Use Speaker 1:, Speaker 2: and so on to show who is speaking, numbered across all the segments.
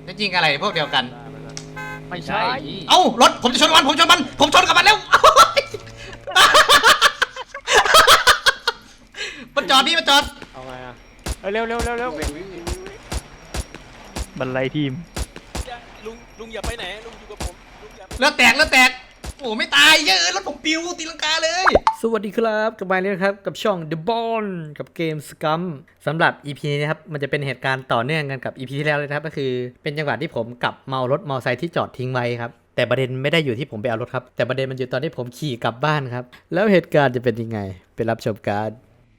Speaker 1: จะยิงอะไรพวกเดียวกัน
Speaker 2: ไม่ใช่
Speaker 1: เอ้ารถผมจะชนมันผมชนกับมันแล้วมันจอดพี่มันจอด
Speaker 3: เอาไงอ่ะ
Speaker 2: เร็ว
Speaker 4: บรรลัยทีม
Speaker 5: ลุงอย่าไปไหนลุงอยู่กับผมลุงอย่า
Speaker 1: เลือดแตกโอ้ไม่ตายเยอะรถผมปิวตีลังกาเลยสวัสดีครับกลับมาแล้วครับกับช่อง The Ball กับเกม Scum สำหรับ EP นี้นะครับมันจะเป็นเหตุการณ์ต่อเนื่องกันกับ EP ที่แล้วเลยนะครับก็คือเป็นจังหวะที่ผมกลับเมารถมอเตอร์ไซค์ที่จอดทิ้งไว้ครับแต่ประเด็นไม่ได้อยู่ที่ผมไปเอารถครับแต่ประเด็นมันอยู่ตอนที่ผมขี่กลับบ้านครับแล้วเหตุการณ์จะเป็นยังไงไปรับชมกัน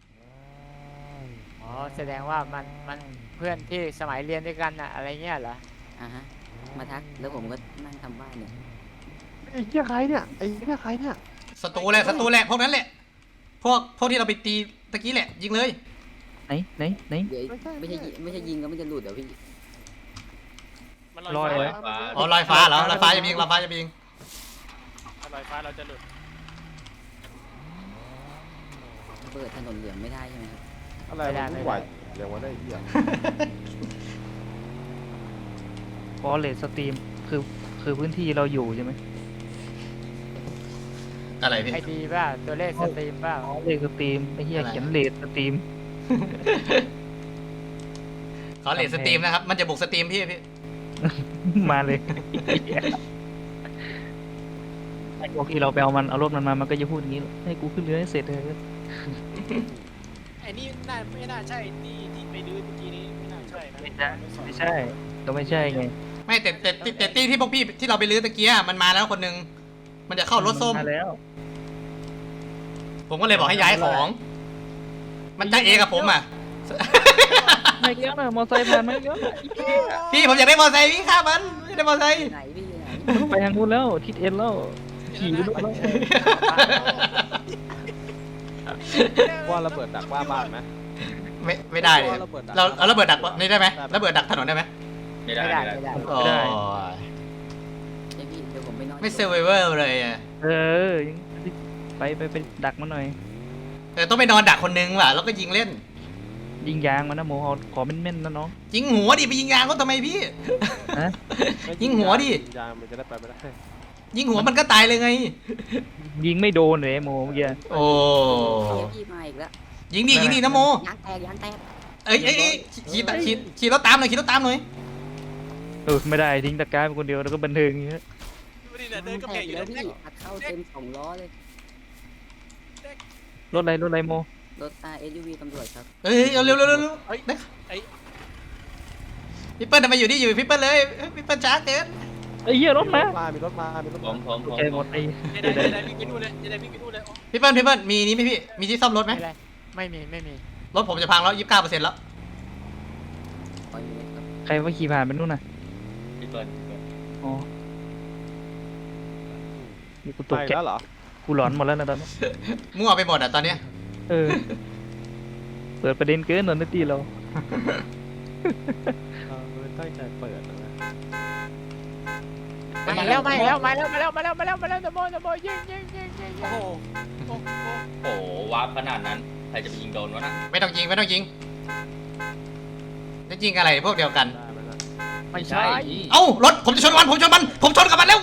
Speaker 2: อ๋อแสดงว่ามันเพื่อนที่สมัยเรียนด้วยกันอะอะไรเงี้ยเหรอ
Speaker 6: ฮะมาทักแล้วผมก็นั่งทำบ้านเนี่ย
Speaker 3: ไอ้เหี้ยใครเนี่ยไอ้เหี้ยใครเนี่ย
Speaker 1: ศัตรูแหละพวกนั้นแหละพวกที่เราไปตีตะกี้แหละยิงเลย
Speaker 4: ไหน
Speaker 6: เดี๋ยวไม่ใช่ยิงก็มันจะหลุดเดี๋ยวพี่
Speaker 4: ลอย
Speaker 1: อ๋อลอยฟ้าเหรอลอยฟ้าจะยิง
Speaker 5: ลอยฟ้าเราจะหลุด
Speaker 6: เปิดถนนเหลืองไม่ได้ใช่ไหมครับ
Speaker 3: อะไรไม่ไหวเรียกว่าได้เหี้ย
Speaker 4: ฟอเรสสตรีมคือพื้นที่เราอยู่ใช่ไหม
Speaker 1: อะไรพี่
Speaker 2: ไอดีป่ะตัวเลขสตรีมป่ะ
Speaker 4: เลขสตรีมไอ้เหี้ยเขียนเลทสตรีม
Speaker 1: เขาเลทสตรีมนะครับมันจะบุกสตรีมพี่
Speaker 4: มาเลยไอ้พวกที่เราไปเอารถมันมามันก็จะพูดอย่างนี้ให้กูขึ้นเรือให้เสร็จเลย
Speaker 5: ไอ้นี่ไม่น่าใช่ที่ไปดื้อเมื่อกี้นี้ไม่น่าใช่นะ
Speaker 4: ไม่ใช่ก็ไม่ใช่ไง
Speaker 1: ไม่แต่ตีที่พวกพี่ที่เราไปลื้อตะเกียมันมาแล้วคนนึงมันจะเข้ารถส้ม
Speaker 4: มาแล้ว
Speaker 1: ผมก็เลยบอกให้ย้ายของมันจะเอกับผมอ่ะ
Speaker 4: ไม่เยอะนะมอไซค์ผ่านไม่เยอะ
Speaker 1: พี่ผมอยากได้มอไซค์พี่ข้ามันไม่ได้มอไซค์
Speaker 6: ไหนพี่ไหน
Speaker 4: ไปทางนู้นแล้วทิศเอ็นแล้วขี่ไปแล้ว
Speaker 3: ว่าระเบิดดักว่าบ้านไหม
Speaker 1: ไม่ได้เลยเราระเบิดดักนี่ได้ไหมระเบิดดักถนนได้ไหม
Speaker 2: ไม่ได้
Speaker 1: โอ้ย
Speaker 6: พี่เดี๋ยวผมไปนอน
Speaker 1: ไม่เซอร์ไวเวอร์เลยอ่ะ
Speaker 4: ไปดักมันหน่อย
Speaker 1: แต่ต้องไปนอนดักคนนึงว่ะแล้วก็ยิงเล่น
Speaker 4: ยิงยางมันนะโมขอเม่นๆนะน้อง
Speaker 1: ยิงหัวดิไปยิงยางเขาทำไมพี่ยิงหัวดิ
Speaker 3: ยางมันจะได้ไปไม่ได้
Speaker 1: ยิงหัวมันก็ตายเลยไง
Speaker 4: ยิงไม่โดนเลยโมเมื่อกี้
Speaker 1: โอ้
Speaker 6: พี่มาอีกแล้ว
Speaker 1: ยิงดินะโม
Speaker 6: ยางแตก
Speaker 1: เอ้ยขี่รถตามหน่อย
Speaker 4: ไม่ได้ทิ้งตะกร้าเป็นคนเดียวแล้วก็บันเทิงอย่างเงี้ย
Speaker 6: เดินก็แข่งอยู่แล้วพี่อัดเข้าเต็ม2 ล้อเลย
Speaker 4: รถอะไรโม
Speaker 6: รถSUV ตำรวจครับ
Speaker 1: เอ้ยเร็วพี่เปิ้ลทำไมอยู่พี่เปิ้ลเลยพี่เปิ้ลช้าเกิน
Speaker 4: ไอ้เหี้ยรถมา
Speaker 3: มีรถมา
Speaker 4: ผมโอเคหมดไอ้
Speaker 5: ได้วิ่งไปนู่นเลยเลย
Speaker 1: พี่เปิ้ลมีนี่ไหมพี่มีที่ซ่อมรถไหม
Speaker 2: ไม่มี
Speaker 1: รถผมจะพังแล้ว29%แล้ว
Speaker 4: ใครว่าขี่ผ่านไปนู่นน่ะ
Speaker 5: พี่เปิ้ล
Speaker 4: อ๋อนี่กูตกใจ
Speaker 3: แล้วเหรอ
Speaker 4: กูหลอนหมดแล้วนะตอนนี้
Speaker 1: มั่วไปหมดอ่ะตอนเนี้ย
Speaker 4: เปิดประเด็นเกินหนอนตีเรา
Speaker 3: ตั้งใจเปิดนะ
Speaker 2: มาแล้วตะโมยิง
Speaker 5: โอ้โหวาร์ปขนาดนั้นใครจะไปยิงโดนวะน่ะ
Speaker 1: ไม่ต้องยิงจะยิงอะไรพวกเดียวกัน
Speaker 2: ไม่ใช่
Speaker 1: เอ้ารถผมจะชนมันผมชนกับมันแล้ว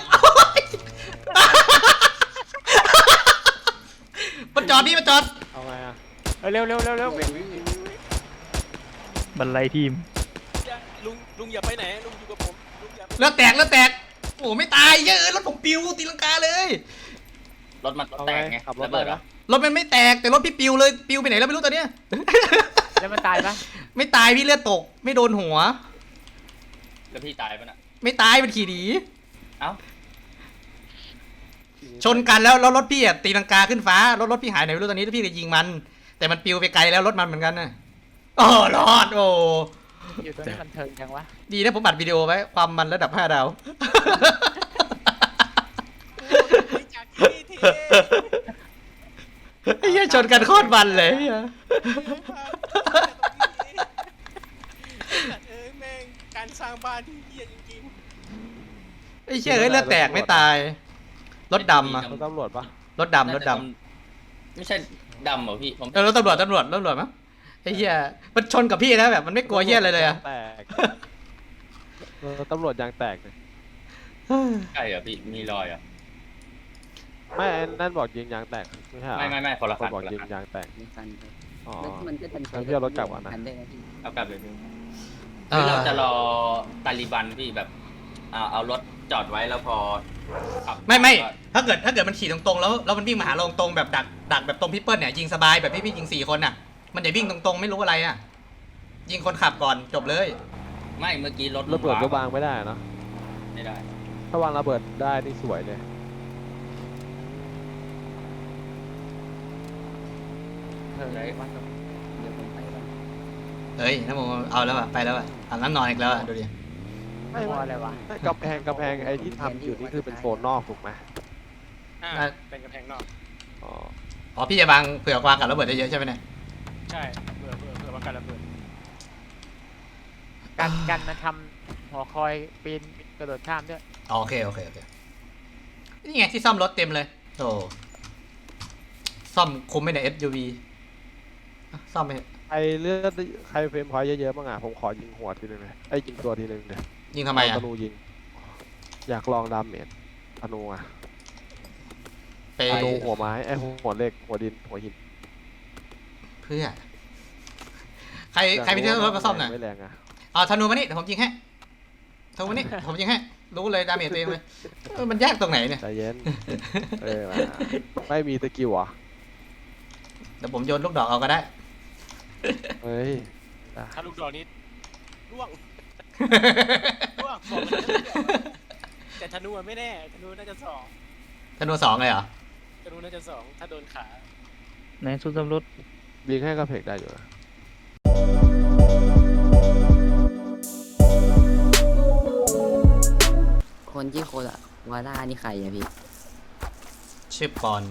Speaker 1: มันจอด
Speaker 3: เอาไงอ่ะ
Speaker 2: เร็ว
Speaker 4: บรรลัยทีม
Speaker 5: ลุงอย่าไปไหนลุงอยู่กับผมลุงอย่า
Speaker 1: เลือดแตกโอ้ไม่ตายเยอะรถผมปิวตีลังกาเลย
Speaker 5: รถมันแตกไงระเบิดเหรอ
Speaker 1: รถมันไม่แตกแต่รถพี่ปิวเลยปิวไปไหนแล้วไม่รู้ตอนเนี้ย
Speaker 2: แล้วมันตายปะ
Speaker 1: ไม่ตายพี่เลือดตกไม่โดนหัว
Speaker 5: แล้วพี่ตายปะน่ะ
Speaker 1: ไม่ตายมันขี่หนี
Speaker 5: เอ้า
Speaker 1: ชนกันแล้วรถพี่ตีลังกาขึ้นฟ้ารถพี่หายไหนไม่รู้ตอนนี้พี่ก็ยิงมันแต่มันปิวไปไกลแล้วรถมันเหมือนกันนะรอด
Speaker 2: อยู่ตรงนี้มันเทิงจังวะ
Speaker 1: ดีนะผมบัดวิดีโอไว้ความมันระดับ5 ดาวไอ้เหี้ยชนกันโคตรมันเลย
Speaker 5: แม่งการสร้างบ้านที่เหี้ยจริง
Speaker 1: ๆไอ้เหี้ยเลือดแตกไม่ตายรถดำอะ
Speaker 3: รถตำรวจปะ
Speaker 1: รถดำ
Speaker 5: ไม่ใช่ดำเหรอพี่
Speaker 1: รถตำรวจมั้งไอ้เหี้ยมันชนกับพี่นะแบบมันไม่กลัวเหี้ยอะไรเลยอะ
Speaker 3: ตำรวจยางแตกเลย
Speaker 7: ใช่เหรอพี่มีรอยเหรอ
Speaker 3: ไม่ไอ้นั่นบอกยิงยางแตกไม่ใช่เหรอ
Speaker 7: ไม่คนละ
Speaker 3: ค
Speaker 7: คั
Speaker 3: น
Speaker 7: น
Speaker 3: บอก
Speaker 7: คนละ
Speaker 3: ยิง
Speaker 7: คัน
Speaker 3: ยางแตก
Speaker 6: มีฟันครับ
Speaker 3: อ๋อ
Speaker 6: แล้วมันก็ทันใช้
Speaker 3: งั้นพี่เอารถกลับก่อนนะ
Speaker 6: ทัได้นะพี่
Speaker 7: เอากลับเลยพี่
Speaker 1: เอ
Speaker 7: คือ
Speaker 1: อ
Speaker 7: เราจะรอตาลิบันพี่แบบเอารถจอดไว้แล้วพอขับ
Speaker 1: ไม่ถ้าเกิดมันขี่ตรงๆแล้วมันวิ่งมาหาเราตรงๆแบบดักแบบตรงพี่เปิ้ลเนี่ยยิงสบายแบบพี่ยิง4 คนน่ะ มันจะวิ่งตรงๆไม่รู้อะไรอ่ะยิงคนขับก่อนจบเลย
Speaker 7: ไม่เมื่อกี้รถ
Speaker 3: ระเบิดก็
Speaker 7: วาว
Speaker 3: างไม่ได้เนอะ
Speaker 7: ไม่ได้
Speaker 3: ถ้าวางระเบิดได้นี่สวยเลย
Speaker 2: เออวันตรง
Speaker 6: เดี๋ยวผมไปก่อน
Speaker 1: เฮ้ยน้ำโมเอาแล้วอะไปแล้วอะอาบน้ำนอนอีกแล้วอะดูดิ
Speaker 3: ไม่
Speaker 2: พออะไรวะ
Speaker 3: ไม่กำแพงไอ้ที่ทำอยู่นี่คือเป็นโซนนอกถูกไหม
Speaker 5: เป็นกระแพงนอก
Speaker 3: อ๋อ
Speaker 1: อ๋อพี่จะวางเผื่อวางกับระเบิดได้เยอะใช่ไหมเนี่ย
Speaker 5: ใช่เผื่อว่าการระเบิด
Speaker 2: กันมันทำหอคอยปีนกระโดดข้ามด้วย
Speaker 1: อ๋อโอเคนี่ไงที่ซ่อมรถเต็มเลยโอ้ซ่อมคุ้มไหมเนี่ย SUV อ่ะซ่อมไปเถอะ
Speaker 3: ใครเลือดใครเฟรมพอยต์เยอะๆบ้างอ่ะผมขอยิงหัวทีนึงเลยไอ้ยยิงตัวทีนึงเลย
Speaker 1: ยิงทำไมอะ
Speaker 3: ธนูยิง อยากลองดาเมจธนูอ่ะ
Speaker 1: ไป
Speaker 3: ธนูหัวไม้ไอ้หัวเหล็กหัวดินหัวหิน
Speaker 1: เพื่อใครไปเที่ยวรถมาซ่อมหน่อย
Speaker 3: ไม่แรงอ่ะ
Speaker 1: เอาธนูมานี่เดี๋ยวผมยิงให้ธนูมานี่ผมยิงให้รู้เลยดาเมจตัวเองเลยมันยากตรงไหนเนี่ย
Speaker 3: ใจเย็น มาไม่มีสกิลเหรอ
Speaker 1: เดี๋ยวผมโยนลูกดอกเอาก็ได้
Speaker 3: เฮ้ย
Speaker 5: ถ้าลูกดอกนี้ร่วงบอกมันจะเลือกแต่ธนูอะไม่แน่ธนูน่าจะสอง
Speaker 1: ธนู2เลยเหรอ
Speaker 5: ธนูน่าจะสองถ้าโดนขา
Speaker 4: ไหนสู้ตำรวจ
Speaker 3: ยิงให้กระเพกได้อยู่นะ
Speaker 6: คนที่โคลาวาร่านี่ใครอะพี่
Speaker 1: ชื่อปอน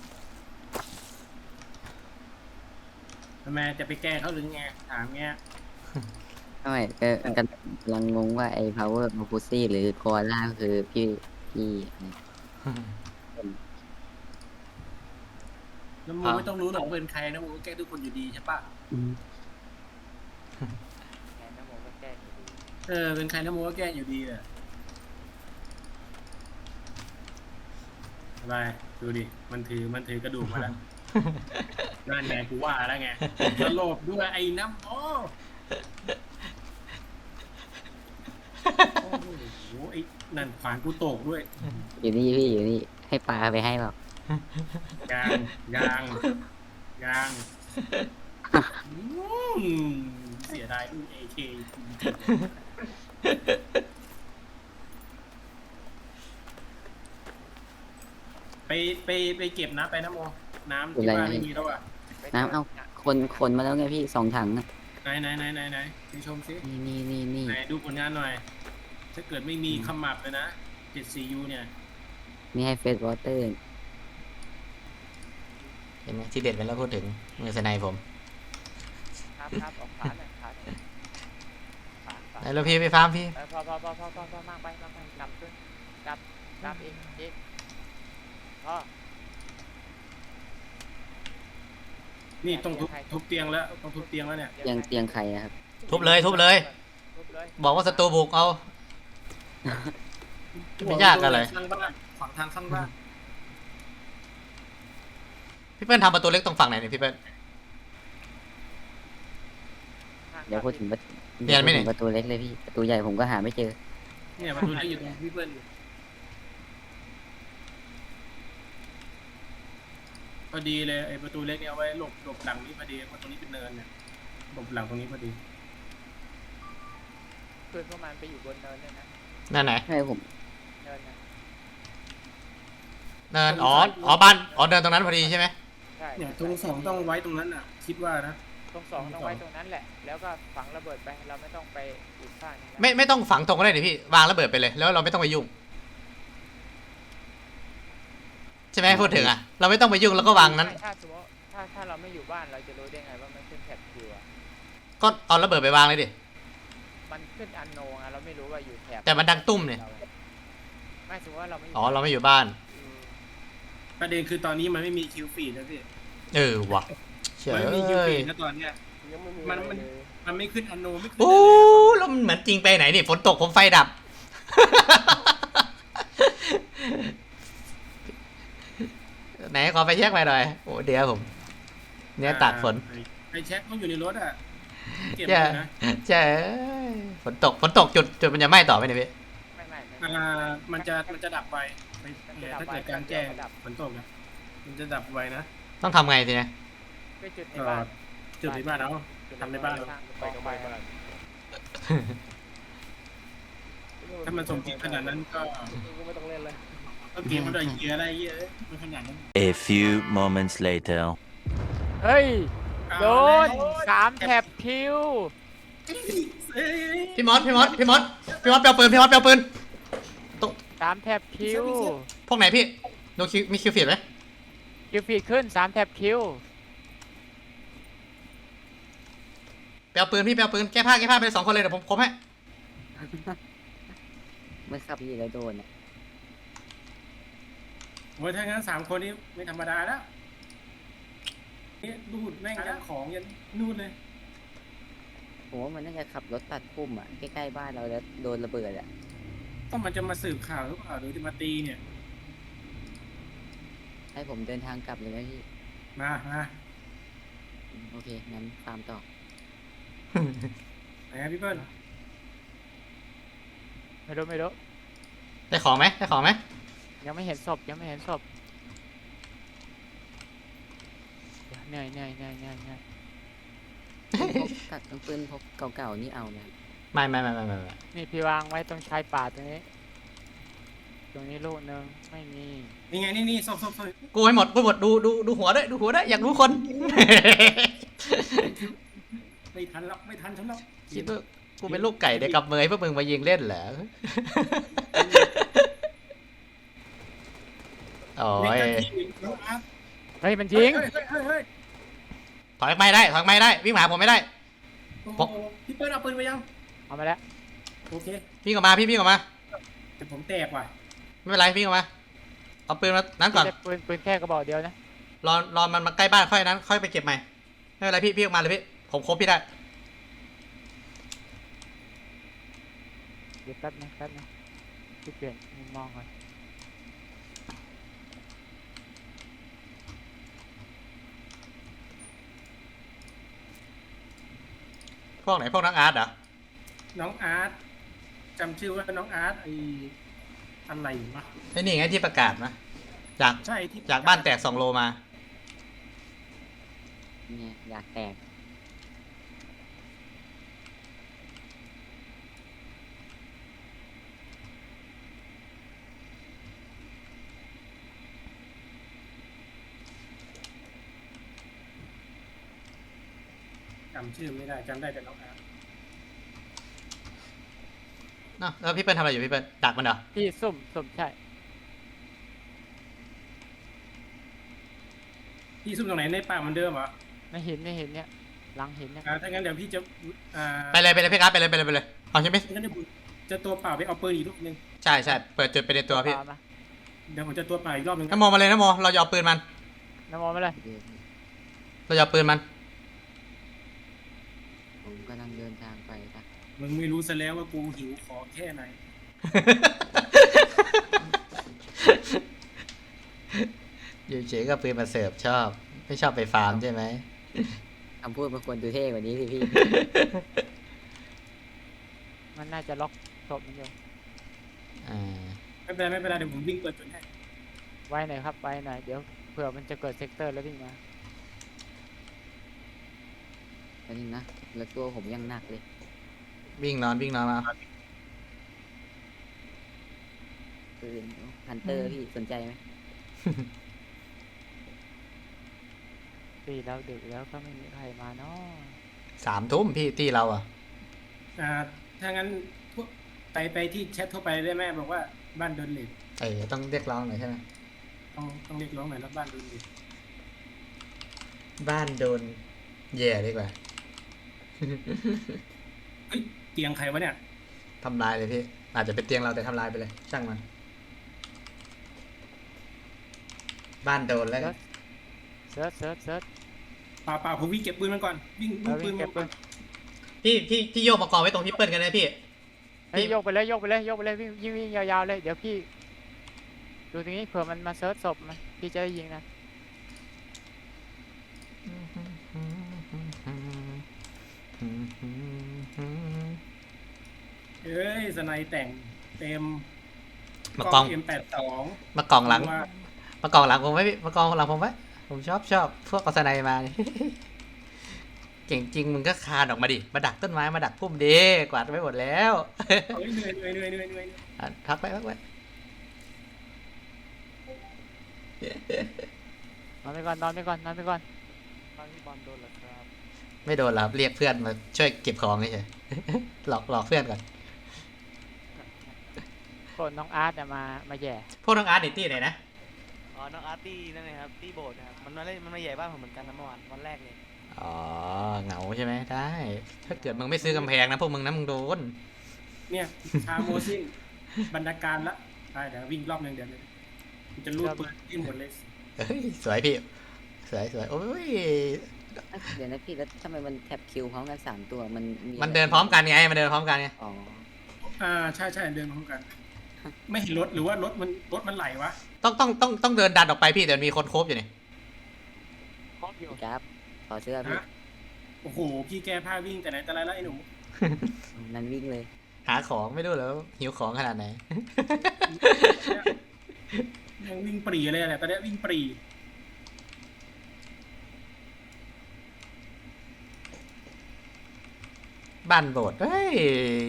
Speaker 5: ทำไมจะไปแก้เขาหรือไงถามเงี้ย
Speaker 6: ทำไมกันกำลังงงว่าไอ้ power of pussy หรือโคอาล่าคือพี่
Speaker 5: แล้วมึงไม่ต้องรู้หรอกเป็นใครนะมึงก็แก้ทุกคนอยู่ดีใช่ปะ
Speaker 6: อืม
Speaker 2: แอนน้ำโมก็แก้อยู่ดี
Speaker 5: เป็นใครนะมึงก็แก้อยู่ดีอะอะไรดูดิมันถือกระดูกมาแล้วนั่นไงกูว่าแล้วไงสลบด้วยไอ้น้ำโอ้โหไอ้นั่นขวานกูตกด้วย
Speaker 6: อยู่นี่พี่อยู่นี่ให้ปลาไปให้เปล่าย
Speaker 5: างเสียดายดูAK ไปเก็บน้ำไปน้ำโมน้ำที่บ้านไม่มีแล้วอ่ะ
Speaker 6: น้ำเอาคนมาแล้วไงพี่2 ถังอะ
Speaker 5: ไหนไปชมซิ
Speaker 6: นี่
Speaker 5: ไหนดูผลงานหน่อย ถ้าเกิดไม่มีขมับเลยนะ 74U เนี่ย
Speaker 6: นี่ให้เฟสวอเตอร์
Speaker 1: เห็นไหมที่เด็ดไปแล้วพูดถึงมือสไนผม
Speaker 2: ครับออกขาหน่อยขาหน่อยขา
Speaker 1: แล้วพี่ไปฟาร์มพี่
Speaker 2: พอมากไปกลับขึ้นกลับอีกพอ
Speaker 5: นี่ต้องทุบเตียงแล้วต้องทุบเตียงแล้วเนี่ย
Speaker 6: เตียงใครอะครับ
Speaker 1: ทุบเลย บอกว่าศัตรูบุกเอา ไม่ยากอะไร
Speaker 5: ข้างบ้านขวางทางข้างบ้าน
Speaker 1: พี่เปิ้ลทำประตูเล็กตรงฝั่งไหนเนี่ยพี่เปิ้ล
Speaker 6: เดี๋ยวพูดถึงประ
Speaker 1: เรียนไหมเนี่ย
Speaker 6: ประตูเล็กเลยพี่ประตูใหญ่ผมก็หาไม่เจอ
Speaker 5: เนี่ยประตูนี้อยู่ตรงพี่เปิ้ลพอดีเลยไอ้ประตูเล็กเนี่ยเอาไว้หลบหลังนี้พอดีเพราะตรงนี้เป็นเนินเนี่ยหลบหลังตรงนี้พอดี
Speaker 2: คืนพวกมันไปอยู่บนเนินเลยนะ
Speaker 1: นั่นไหน
Speaker 6: ให้ผม
Speaker 2: เนินนะ
Speaker 1: เนินอ๋อบ้านเดินตรงนั้นพอดีใช่ไหม
Speaker 2: ใช่
Speaker 5: เนี่ยตรงสองต้องไว้ตรงนั้นอ่ะ คิดว่านะ
Speaker 2: ตรงสองต้องไว้ตรงนั้นแหละ แล้วก็ฝังระเบิดไปเราไม่ต้องไปอีกข้างหนึงนะ
Speaker 1: ไม่ต้องฝังตรงก็ได้ดิพี่วางระเบิดไปเลยแล้วเราไม่ต้องไปยุ่งใช่ไหมพูดถึงอะเราไม่ต้องไปยุ่งแล้วก็วางนั้น
Speaker 2: ถ้าสมมติถ้าเราไม่อยู่บ้านเราจะรู้ได้ไงว่ามันขึ้นแท็บคิวอะ
Speaker 1: ก็เอาระเบิดไปวางเลยดิ
Speaker 2: มันขึ้นอันโนงอะเราไม่รู้ว่าอยู่แถบ
Speaker 1: แต่มันดังตุ้มเนี่ย
Speaker 2: ไม่สมมติว่าเราไม่อยู่
Speaker 1: อ๋อเราไม่อยู่บ้าน
Speaker 5: ประเด็นคือตอนนี้มันไม่มีคิวฟีดนะพี่
Speaker 1: เออว่ะเฉ
Speaker 5: มัน
Speaker 1: ย
Speaker 5: ไม่มีคิวฟีดนะตอนเนี้ย
Speaker 3: ยังไม่มี
Speaker 5: มัน
Speaker 3: อะไรเลย
Speaker 5: มันไม่ขึ้นอโนไม่ขึ้น
Speaker 1: โอ้
Speaker 5: อะไรเลย
Speaker 1: แล้วมันเหมือนจริงไปไหนนี่ฝนตกผมไฟดับ ไหนขอไฟแช็กไปหน่อยโอ้เดี๋ยวผมเนี่ยตากฝน
Speaker 5: ไอแช็คมันอยู่ในรถอ่ะเก็บ
Speaker 1: ใช่
Speaker 5: เลยนะ
Speaker 1: ใช่ฝนตกจุดมันจะไหม้ต่อไหมเนี่ยพี่
Speaker 2: ไม่
Speaker 5: มันจะดับไวถ้าเกิดการแจ้งฝนตกนะมันจะดับไวนะ
Speaker 1: ต้องทำไงทีเนี้ย
Speaker 2: ไปจุดใน
Speaker 5: ก็
Speaker 2: บ้าน
Speaker 5: จุดในบ้านเอาทำในบ้านเอา
Speaker 2: ไปก็ไปบ้าน
Speaker 5: ถ้ามันสมจริงขนาดนั้นก็
Speaker 2: ไม่ต้องเล่นเลย
Speaker 5: ก็เกมมันได้เยอะอะไรเยอะมันขนาดนั้น
Speaker 8: A few moments later.
Speaker 2: เฮ้ย
Speaker 5: เอา
Speaker 2: โดน
Speaker 5: เลย
Speaker 2: 3 แถบคิว
Speaker 5: เอ้ย
Speaker 1: พี่มอสเปลปืนพี่มอสเปลปืน
Speaker 2: 3 แถบคิว
Speaker 1: พวกไหนพี่ดูคิวมีคิวฟีดไหม
Speaker 2: คิวฟีดขึ้น 3 แถบคิว
Speaker 1: เปลปืนพี่เปลปืนแก้ผ้าไปเลย2 คนเลยเดี๋ยวผมคมให้
Speaker 6: เมื่อขับพี่แล้วโดนอ่ะ
Speaker 5: โอ้ยถ้างั้น3 คนนี้ไม่ธรรมดาแล้วนี่ดูดแม่งยันของยันนู่นเลย
Speaker 6: ผมว่ามันน่าจะขับรถตัดพุ่มอ่ะใกล้ๆบ้านเราแล้วโดนระเบิดอ่ะ
Speaker 5: ก็มันจะมาสืบข่าวหรือเปล่าหรือจะมาตีเนี่ย
Speaker 6: ให้ผมเดินทางกลับเลยไหมพี่
Speaker 5: มา
Speaker 6: โอเคงั้นตามต่อ
Speaker 5: ไหนครับพี่เปิ้ล
Speaker 2: ไม่รู้
Speaker 1: ได้ของไหม
Speaker 2: ยังไม่เห็นศพเหนื่อย
Speaker 6: พกตัดปืนพกเก่าๆนี่เอานะ
Speaker 1: ไม่
Speaker 2: นี่พี่วางไว้ตรงชายป่าตรงนี้ลูกนึงไม่มี
Speaker 5: นี่ไงนี่ศพ
Speaker 1: กูให้หมดดูหัวด้วยอยากรู้คน
Speaker 5: ไม่ทันฉันหรอก
Speaker 1: คิดว่ากูเป็นลูกไก่ได้กับเมยพวกมึงมายิงเล่นเหรอโอ้ย
Speaker 5: น้องอาร์ต
Speaker 2: เฮ้ยมันจริง
Speaker 5: เฮ้ย
Speaker 1: ถอยไม่ได้วิ่งมาหาผมไม่ได้
Speaker 5: โอ้โหพี่เปิ้ลเอาปืนไปยัง
Speaker 2: เอามาแล้ว
Speaker 5: โอเค
Speaker 1: วิ่งออกมาพี่วิ่งออกมา
Speaker 5: แต่ผมแตกว่ะ
Speaker 1: ไม่เป็นไรวิ่งออกมาเอาปืนมานั้นก่อน
Speaker 2: ปืนแค่กระบอกเดียวนะ
Speaker 1: รอมันมาใกล้บ้านค่อยนั้นค่อยไปเก็บใหม่ไม่เป็นไรพี่ออกมาเลยพี่ผมครบพี่ได้
Speaker 2: เดี๋ยวแป๊บนึงพี่เปลี่ยนมุมมองก่อน
Speaker 1: พวกไหนพวกนักอาร์ตเหรอ
Speaker 5: น้องอาร์ตจำชื่อว่าน้องอาร์ตไออะไรวะ
Speaker 1: ไอ้นี่ไงที่ประกาศนะจาก
Speaker 5: ใช่ที่
Speaker 1: จากบ้านแตก2 โลมา
Speaker 6: เนี่ยอยากแตก
Speaker 5: จำชื่อไม่ได้จำได้แต่น้องอาร์ต
Speaker 1: เนาะแล้วพี่เปิ้ลทำอะไรอยู่พี่เปิ้ลดักมันเหรอ
Speaker 2: พี่สุ่มใช่
Speaker 5: พี่ซุ่มตรงไหนในป่าเหมือนเดิมเหรอ
Speaker 2: ไม่เห็นเนี่ยหลังเห็นเนี่ย
Speaker 5: ถ้างั้นเดี๋ยวพี่จะ
Speaker 1: ไปเลยพี่ครับไปเลยเอาใช่ไหม
Speaker 5: งั้นเดี๋ยวผมจะตัวเปล่าไปเอาปืนอีกลูกนึง
Speaker 1: ใช่เปิดจุดไปในตัวพี่
Speaker 2: มา
Speaker 5: เดี๋ยวผมจะตัวเปล่าอีกรอบนึง
Speaker 1: น้ำโมมาเลยน้ำโมเราจะเอาปืนมัน
Speaker 2: น้ำมองมาเลย
Speaker 1: เราจะเอาปืนมัน
Speaker 6: ผมกำลังเดินทางไปนะ
Speaker 5: มึงไม่รู้ซะแล้วว่ากูหิวของแค่ไหน
Speaker 1: อยู่เฉยก็ปืนมาเสิร์ฟชอบไม่ชอบไปฟาร์มใช่ไหม
Speaker 6: คำพูดมันควรดูเท่กว่านี้สิพี่
Speaker 2: มันน่าจะล็อกศพมันอยู่
Speaker 1: อ่า
Speaker 5: ไม่เป็นไรเดี๋ยวผมวิ่งเปิดจุดให้
Speaker 2: ไว้หน่อยครับไว้หน่อยเดี๋ยวเผื่อมันจะเกิดเซกเตอร์แล้ววิ่งมา
Speaker 6: แล้วนี่นะแล้วตัวผมยังหนักเลย
Speaker 1: วิ่งนอนมา
Speaker 6: ปืนฮันเตอร์พี่สนใจไหม
Speaker 2: ตีแล้วดึกแล้วก็ไม่มีใครมาเนาะ
Speaker 1: 3 ทุ่มพี่ตีเราอ่ะ
Speaker 5: ถ้างั้นพวกไปที่แชททั่วไปได้ไหมบอกว่าบ้านโดนเลท
Speaker 1: ต้องเรียกร้องหน่อยใช่ไหม
Speaker 5: ต้องเรียกร้องหน่อยนะบ้านโดนเลท
Speaker 1: บ้านโดนแย่ดีกว่า
Speaker 5: เฮ้ยเตียงใครวะเนี่ย
Speaker 1: ทำลายเลยพี่อาจจะเป็นเตียงเราแต่ทำลายไปเลยช่างมัน บ้านโดนแล้วกัน
Speaker 2: เซิร์ช
Speaker 5: เปล่าผมวิ่งเก็บปืนมันก่อนวิ่ง
Speaker 2: แล้ว
Speaker 5: ปื
Speaker 2: วิ่
Speaker 5: น
Speaker 2: ง
Speaker 5: มั
Speaker 2: เก็บ
Speaker 5: น
Speaker 2: ปื
Speaker 5: ก่อน
Speaker 2: น
Speaker 1: พี่โยกมากองไว้ตรงพี่เปิ้ลกันนะพี่
Speaker 2: เฮ้ยโยกไปเลยโยกไปเลยโยกไปเลยวิ่งยาวๆเลยเดี๋ยวพี่ดูตรงนี้เผื่อมันมาเซิร์ชศพมันพี่จะได้ยิงนะ
Speaker 9: เอ้ยสไนแต่งเต็ม
Speaker 1: มากอง
Speaker 9: M82
Speaker 1: มากองหลัง มากองหลังผมไว้พี่มากองหลังผมไว้ผมชอบพวกกอสไนมา เก่งจริงมึงก็คานออกมาดิมาดักต้นไม้มาดักพุ่มดีกวาดไปหมดแล้ว
Speaker 9: เฮ้ยเหนื่อย
Speaker 1: อ่ะพักไว้
Speaker 2: นอนไปก่อนตอนที่บอลโดนแล้วครับ
Speaker 1: ไม่โดนหรอกเรียกเพื่อนมาช่วยเก็บของเฉยๆ หลอกเพื่อนก่อน
Speaker 2: คนน้องอาร์ตเนี่ยมาแย่
Speaker 1: พวกน้องอาร์ตนิตี้ไหนนะ
Speaker 5: อ๋อน้องอาร์ตี้นั่นไงครับตี้โบสนะครับมันมาเล่นมันมาใหญ่บ้านผมเหมือนกันนะเมื่อวานวันแรกเลย
Speaker 1: อ๋อเหงาใช่ไหมได้ ถ้าเกิดมึงไม่ซื้อกำแพงนะพวกมึงนะมึงโดน
Speaker 9: เนี่ยชาโมซิ่งบรรณาการละได้เดี๋ยววิ่งรอบนึงเดี๋ยวมันจะรูดปืนที่หมดเลย
Speaker 1: เฮ้ยสวยพี่สวยโอ้ย
Speaker 6: เดี๋ยวนะพี่แล้วทำไมมันแท็บคิวพร้อมกัน3 ตัวมันมี
Speaker 1: มันเดินพร้อมกันไงมันเดินพร้อมกันไง
Speaker 6: อ๋อ
Speaker 9: ใช่เดินพร้อมกัน ไม่เห็นรถหรือว่ารถมันไหลวะ
Speaker 1: ต้องเดินดันออกไปพี่แต่มีคนโคบอยู่นี่
Speaker 2: ครบอยู่
Speaker 6: พี่ครับขอเสื้อพี่
Speaker 9: ฮะโอ้โหพี่แกผ้าวิ่งแต่ไหนแต่ไรแล้วไอ้หนู
Speaker 6: นั่นวิ่งเลย
Speaker 1: หาของไม่รู้แล้วหิวของขนาดไหน
Speaker 9: ยังวิ่งปรีเลยแหละตอนนี้วิ่งปรี
Speaker 1: บ้านโบสถ์เฮ้ย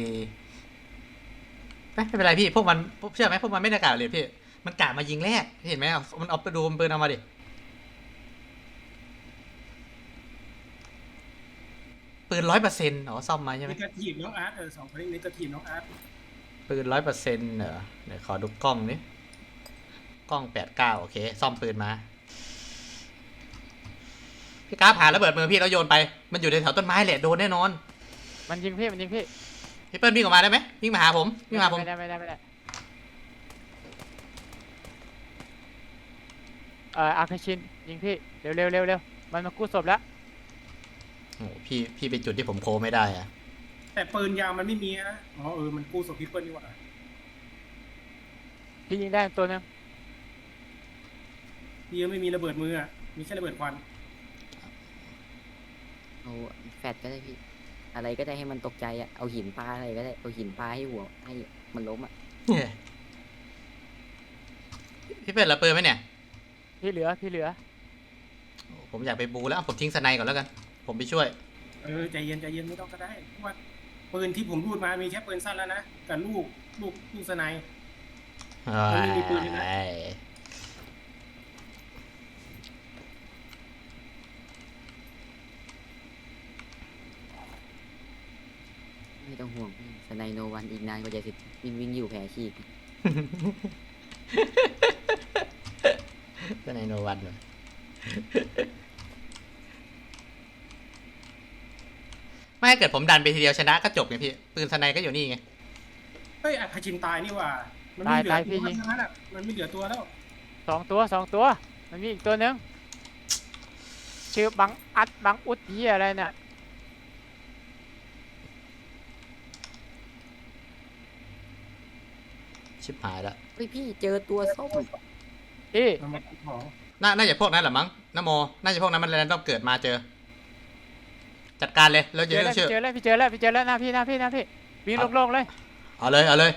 Speaker 1: ไม่เป็นไรพี่พวกมันเชื่อไหมพวกมันไม่ได้กล่าวเลยพี่มันกะมายิงแรกเห็นไหมมันเอาไปดูปืนเอามาดิปืน100%อ๋อซ่อมมาใช่ไหม
Speaker 9: นิกาทีฟน้องอาร์ต2 คนนี้นิกาทีฟน้องอาร์ต
Speaker 1: ปืน100%เหรอเดี๋ยวขอดูกล้องนี้กล้อง89โอเคซ่อมปืนมาพี่กราฟหาระเบิดมือพี่แล้วโยนไปมันอยู่ในแถวต้นไม้แหละโดนแน่นอน
Speaker 2: มันยิงพี่
Speaker 1: พี่เปิ้ลวิ่งออกมาได้ไหมวิ่งมาหาผมวิ่งมาหาผม
Speaker 2: ไม่ได้อาคาชินยิงพี่เร็วมันมากู้ศพแล้ว
Speaker 1: โอ้โหพี่เป็นจุดที่ผมโคไม่ได้อะ
Speaker 9: แต่ปืนยาวมันไม่มีนะอ๋อมันกู้ศพพี่เปิ้ลนี่หว่า
Speaker 2: พี่ยิงได้ตัวนึง
Speaker 9: พี่ยังไม่มีระเบิดมือมีแค่ระเบิดควัน
Speaker 6: เอาแฟดก็ได้พี่ อะไรก็ได้ให้มันตกใจอ่ะเอาหินปาอะไรก็ได้เอาหินปาให้หัวให้มันล้มอ่ะ
Speaker 1: เนี่ยพี่เปิ้ลระเบิดไหมเนี่ย
Speaker 2: พี่เหลือ
Speaker 1: ผมอยากไปบูแล้วผมทิ้งสไนก่อนแล้วกัน ผมไปช่วย
Speaker 9: ใจเย็นไม่ต้องก็ได้เพราะว่าปืนที่ผมรูดมามีแค่ปืนสั้นแล้วนะกับลูกสไน มันไม่มีปืนเลยนะ
Speaker 6: ไม่ต้องห่วงพี่สไนโนวันอีกนานกว่าจะเสร็จวิ่งอยู่แผลฉีก
Speaker 1: สไนโนวันเลยไม่เกิดผมดันไปทีเดียวชนะก็จบไงพี่ปืนสไนก็อยู่นี่ไง
Speaker 9: เฮ้ยอาคาชินตายนี่หว่ามันไม่เหลือตัวทั้งนั้นมันไม่เหลือตัวแล้ว
Speaker 2: 2 ตัวมันมีอีกตัวนึงชื่อบังอุดเหียอะไรเนี่ย
Speaker 1: ชิบหายแล้ว
Speaker 6: เฮ้ยพี่เจอตัวส้ม
Speaker 2: พี่
Speaker 9: มันมาขุดของ
Speaker 1: น่าจะพวกนั้นแหละมั้งนโมน่าจะพวกนั้นมันแรนดอมเกิดมาเจอ จัดการเลยแล้ว
Speaker 2: เจ
Speaker 1: เย
Speaker 2: อ
Speaker 1: อะ
Speaker 2: แล้ว
Speaker 1: เชื่อ
Speaker 2: พี่เจอแล้วหน้าพี่วิ่งโล่งๆเลย
Speaker 1: เอาเลย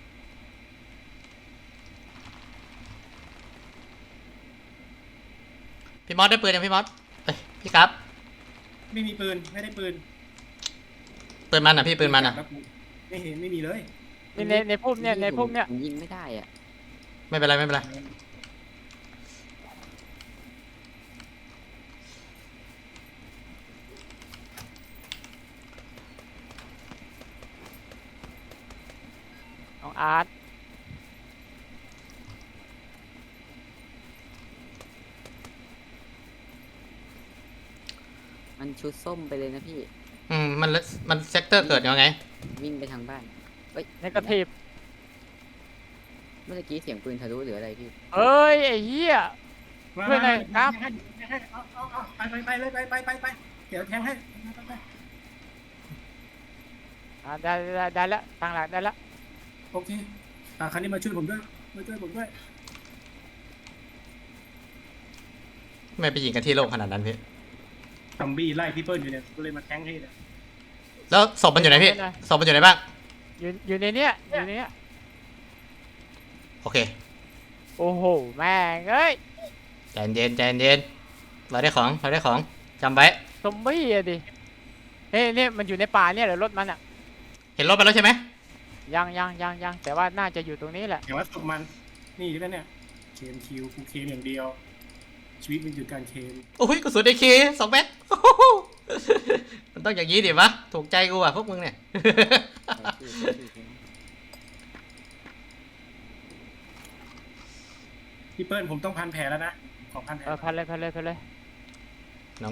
Speaker 1: พี่มอสได้ปืนยังพี่มอสเอ้ยพี่ครับ
Speaker 9: ไม่มีปืนไม่ได้ปืน
Speaker 1: ปืนมันอ่ะพี่ปืนมันอ่ะ
Speaker 9: ไม่เห็นไม่มีเลย
Speaker 2: ในพุ่มเนี่ย
Speaker 6: ผมยิงไม่ได้อ่ะ
Speaker 1: ไม่เป็นไร
Speaker 2: ของอาร์ต
Speaker 6: มันชุดส้มไปเลยนะพี่
Speaker 1: มันเซกเตอร์เกิดยังไง
Speaker 6: วิ่งไปทางบ้านเฮ้ย
Speaker 2: ในกระถีบ
Speaker 6: เมื่อกี้เสียงปืนทะลุหรืออะไรพี่
Speaker 2: เอ้ยไอ้เหี้ย
Speaker 9: มา
Speaker 2: เพื่อนหน่อยครับ
Speaker 9: เอาไปเลยไปเดี๋ยวแทงให้
Speaker 2: ได้แล้วตั้งหลักได้แล้ว
Speaker 9: โอเคคราวนี้มาช่วยผมด้วยมาช่วยผมด้วย
Speaker 1: ไม่ไปยิงกันที่โล่งขนาดนั้นพี่
Speaker 9: ซอมบี้ไล่พี่เปิ้ลอยู่เนี่ยก็เลยมาแทงให้เนี่ย
Speaker 1: แล้วศพมันอยู่ไหนพี่ศพมันอยู่ไหนบ้าง
Speaker 2: อยู่ในเนี้ยอยู่ในเนี้ย
Speaker 1: โอเค
Speaker 2: โอ้โหแม่งเอ้ย
Speaker 1: ใจเย็นใจเย็นเราได้ของจำไว้
Speaker 2: ซอมบี้อะดิเนี่ยมันอยู่ในป่าเนี่ยเหรอรถมันอะ
Speaker 1: เห็นรถไปแล้วใช่ไหม
Speaker 2: ยังแต่ว่าน่าจะอยู่ตรงนี้แหละ
Speaker 9: แต่ว่าศพมันนี่อยู่แล้วเนี่ยเคมคิวกูเคมอย่างเดียว ชีวิตมันอยู่การเคม
Speaker 1: โอ้ยกระสุนไอเค2 เม็ด มันต้องอย่างนี้ดิวะถูกใจกูอ่ะพวกมึงเนี่ย
Speaker 9: พี่เปิ้ลผมต้องพันแผลแล้วนะขอพันแผล
Speaker 2: พันเลย
Speaker 1: น้อง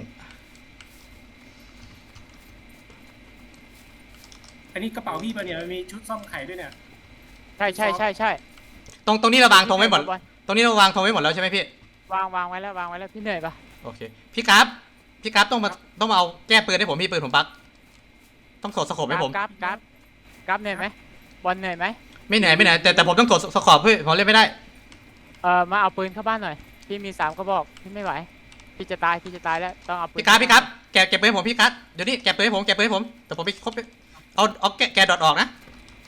Speaker 9: อันนี้กระเป๋าพี่ปะเนี่ยมันมีชุดซ่อมไข่ด้วยเนี่ย
Speaker 2: ใช่
Speaker 1: ตรงนี้เราวางธงไว้หมดตรงนี้เราวางธงไว้หมดแล้วใช่ไหมพี่
Speaker 2: วางไว้แล้วพี่เหนื่อยปะ
Speaker 1: โอเคพี่กราฟต้องมาเอาแก้ปืนให้ผมพี่ปืนผมบั๊กต้องถอดสโคปให้ผม
Speaker 2: กราฟเหนื่อยไหมบอลเหนื่อยไหม
Speaker 1: ไม่เหนื่อยแต่ผมต้องถอดสโคปพี่ผมเล่นไม่ได้
Speaker 2: มาเอาปืนเข้าบ้านหน่อยพี่มี3 กระบอกพี่ไม่ไหวพี่จะตายแล้วต้องเอาปืน
Speaker 1: พี่กราฟแกะปืนให้ผมพี่กราฟเดี๋ยวนี้แกะปืนให้ผมแต่ผมไปครบเอาแกะดอทออกนะ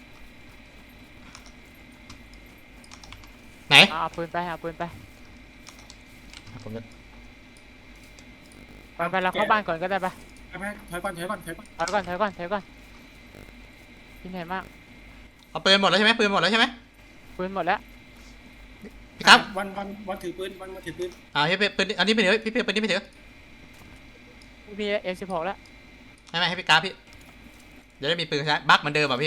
Speaker 1: ไหน
Speaker 2: เอาปืนไป
Speaker 1: ผมจะ
Speaker 2: ไปเราเข้าบ้านก่อนก็ได้ปะ
Speaker 9: ไปถอยก่อน
Speaker 2: ถอยก่อนพี่เหนื่อยมาก
Speaker 1: เอาปืนหมดแล้วใช่ไหมปืนหมดแล้วใช่ไหม
Speaker 2: ปืนหมดแล้ว
Speaker 1: พี่กราฟ
Speaker 9: วันถือปืนวันมาถือปืน
Speaker 1: พี่ปืนอันนี้ไม่ถือพี่ปืนนี้ไม่ถือ
Speaker 2: มี M16 แล้ว
Speaker 1: ไม่ให้พี่กราฟพี่จะได้มีปืนใช้บั๊กเหมือนเดิมอ่ะ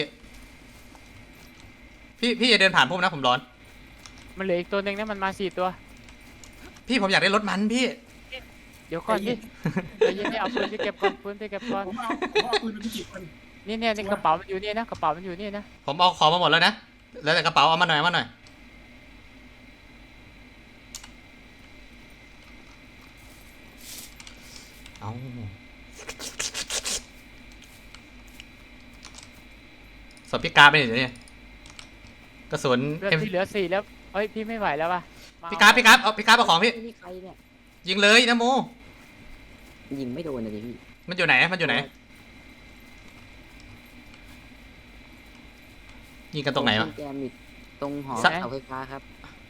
Speaker 1: พี่อย่าเดินผ่านผมนะผมร้อน
Speaker 2: มันเหลืออีกตัวหนึ่งนะมันมา4 ตัว
Speaker 1: พี่ผมอยากได้รถมันพี่
Speaker 2: เดี๋ยวก่อนดิเดี๋ยวเอาปืนไปเก็บก่อน
Speaker 9: ผมเอาปืนไปจิบมัน
Speaker 2: นี่กระเป๋ามันอยู่นี่นะ
Speaker 1: ผมเอาของมาหมดแล้วนะแล้วแต่กระเป๋าเอามาหน่อยเอาสดพี่กราฟไปไหนเนี่ยกระสุน
Speaker 2: เลือดที่เหลือ4แล้วเฮ้ยพี่ไม่ไหวแล้วว่ะ
Speaker 1: พี่กราฟเอาของพี่
Speaker 6: นี่ใครเนี่ย
Speaker 1: ยิงเลยนะโม
Speaker 6: ยิงไม่โดนเลยพี่
Speaker 1: มันอยู่ไหนยิงกันตรงไหนวะ
Speaker 6: แกมิดตรงหอ
Speaker 1: สัก
Speaker 6: เสาไฟฟ้าครับ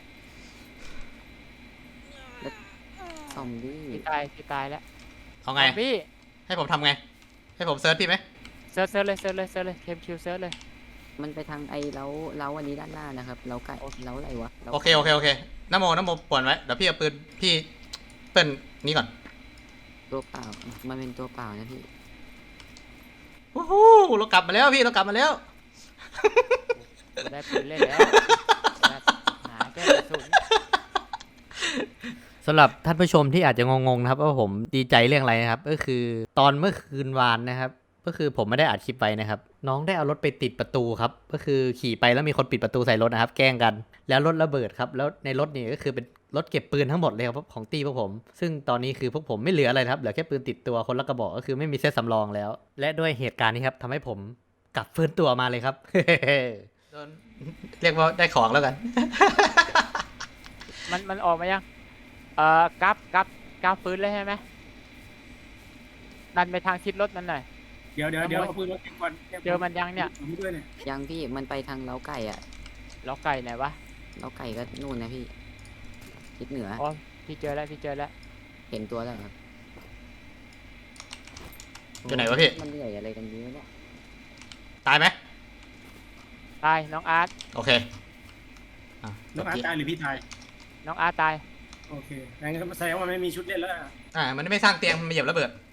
Speaker 6: แล้วซอมบี้
Speaker 2: พี่ตายแล้ว
Speaker 1: เอาไง
Speaker 2: พี่
Speaker 1: ให้ผมทำไงให้ผมเซิร์ชพี่ไหม
Speaker 2: เซิร์ชเลยเคมคิวเซิร์ชเลย
Speaker 6: มันไปทางไอ้เล้าอันนี้ด้านหน้านะครับเล้าไก่เล้าอะไรวะล้า
Speaker 1: โอเคน้ำโมป่วนไว้เดี๋ยวพี่เอาปืนพี่เปิ้ลนี้ก่อน
Speaker 6: ตัวเปล่ามันเป็นตัวเปล่านะพี่
Speaker 1: โอ้โหเรากลับมาแล้วพี่เรากลับมาแล้ว
Speaker 2: ได้ปืนเล่นแล้วหาแก้กระสุน
Speaker 1: สำหรับท่านผู้ชมที่อาจจะงงๆนะครับว่าผมดีใจเรื่องอะไรนะครับก็คือตอนเมื่อคืนวานนะครับก็คือผมไม่ได้อัดคลิปไปนะครับน้องได้เอารถไปติดประตูครับก็คือขี่ไปแล้วมีคนปิดประตูใส่รถนะครับแกล้งกันแล้วรถระเบิดครับแล้วในรถนี่ก็คือเป็นรถเก็บปืนทั้งหมดเลยครับของตี้พวกผมซึ่งตอนนี้คือพวกผมไม่เหลืออะไรครับเหลือแค่ปืนติดตัวคนละกระบอกก็คือไม่มีเซตสำรองแล้วและด้วยเหตุการณ์นี้ครับทำให้ผมกลับฟื้นตัวมาเลยครับ เรียกว่าได้ของแล้วกัน
Speaker 2: มันออกมายังกราฟฟื้นเลยใช่ไหมดันไปทางทิศรถมันหน่อย
Speaker 9: เดี๋ยวเอาปืนมาเก็บก่อน
Speaker 2: เจอมันยังเนี่ย
Speaker 9: ผมด้วยเนี่ย
Speaker 6: ยังพี่มันไปทางเล้าไก่อะ
Speaker 2: ล้อไก่ไหนวะ
Speaker 6: เล้าไก่ก็นู่นนะพี่ทิศเหนือ
Speaker 2: อ๋อพี่เจอแล้ว
Speaker 6: เห็นตัวแล้วครับ
Speaker 1: อยู่ไหนวะพี่
Speaker 6: มันเหนื่อยอะไรกันเยอะเนี่ย
Speaker 1: ตายไหม
Speaker 2: ตายน้องอาร์ต
Speaker 1: โอเค
Speaker 9: น้องอาร์ตตายหรือพี่ตาย
Speaker 2: น้องอาร์ตตาย
Speaker 9: โอเคงั้นแสดงว่ามันไม่มีชุดเล่นแล้วอะ
Speaker 1: มันไม่สร้างเตียงมันมาเหยียบระเบิด